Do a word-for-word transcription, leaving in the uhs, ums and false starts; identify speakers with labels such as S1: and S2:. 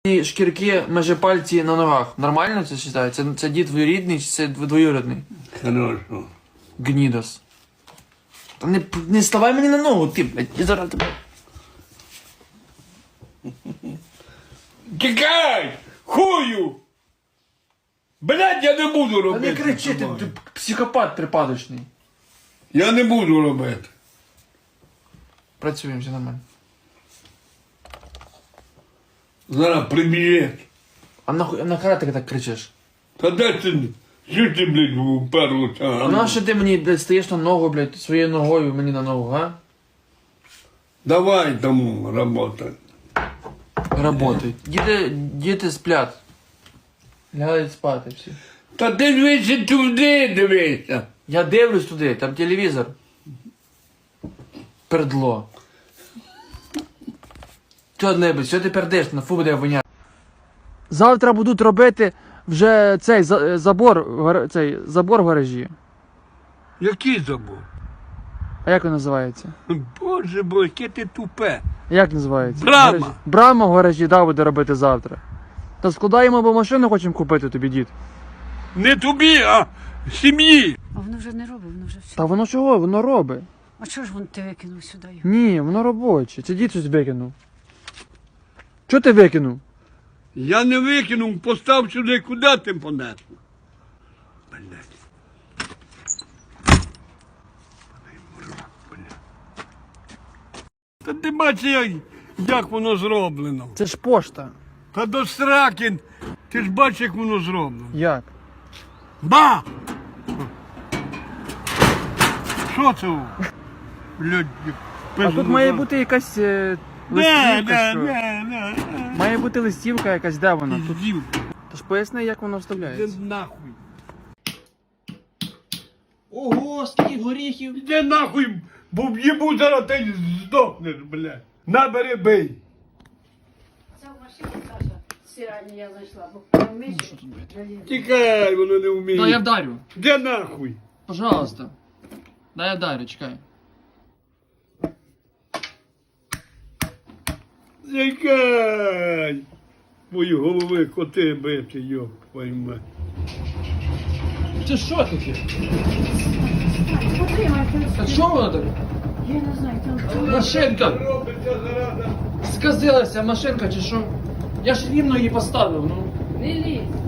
S1: І шкірки межі пальці на ногах. Нормально це вважається? Це, це дід двоюрідний чи це двоюрідний?
S2: Хорошо.
S1: Гнідос. Та не, не ставай мені на ногу, ти, блядь, я зараз тебе...
S2: Тікай! Хую! Блядь, я не буду
S1: Та
S2: робити.
S1: не кричи, ти, ти психопат припадочний.
S2: Я не буду робити.
S1: Працюємо, все нормально.
S2: Зараз прибіжить.
S1: А нахуй, а нахера ти так кричиш?
S2: Та де ти? Що ти, блядь, уперлося?
S1: А на що ти мені, блядь, стаєш на ногу, блядь, своєю ногою мені на ногу, а?
S2: Давай тому работай.
S1: Работай. Діти, діти сплять. Лягають спати всі.
S2: Та ти дивися туди, дивися.
S1: Я дивлюсь туди, там телевізор. Пердло. Що, небудь, що ти пердиш? На фу буде воняти. Завтра будуть робити вже цей за- забор, в гар- цей забор в гаражі.
S2: Який забув?
S1: А як він називається?
S2: Боже бо, яке ти тупе.
S1: Як називається?
S2: Брама.
S1: В гаражі. Брама в гаражі, да, буде робити завтра. Та складаємо, бо машину хочемо купити тобі, дід.
S2: Не тобі, а сім'ї.
S3: А воно вже не робить, воно вже все.
S1: Та воно чого? Воно робить.
S3: А чого ж він ти викинув сюди його?
S1: Ні, воно робоче. Це дід щось викинув. Чого ти викинув?
S2: Я не викинув, постав сюди, куди ти понесло? Блядь. Та ти бачиш, як, як воно зроблено.
S1: Це ж пошта.
S2: Та до сраки, ти ж бачиш, як воно зроблено.
S1: Як?
S2: Ба! Що це? Блядь,
S1: А тут має бути якась е,
S2: Не,
S1: листівка.
S2: не,
S1: що?
S2: не, не.
S1: Має бути листівка якась, де вона? Тут.
S2: Піздів.
S1: Тож поясни, як воно
S2: Де
S1: вставляється.
S2: нахуй?
S1: Ого, скільки горіхів.
S2: Іди нахуй, бо в'їбу зараз ти здохнеш, блядь. Набери бий.
S3: Це в машині, Саша, стиральні я знайшла, бо там миші.
S2: Тікай, воно не вміє.
S1: Да, я вдарю.
S2: Де нахуй?
S1: Пожалуйста. Да, я вдарю, чекай.
S2: Тікай. Мої голови коти бити, йоп, твою мать.
S1: Це що таке?
S3: Потримай,
S1: А що воно таке?
S3: я не знаю, там
S1: Машинка!
S2: Робиться зараза.
S1: Сказилася машинка чи що? Я ж рівно її поставив, ну.
S3: не лізь.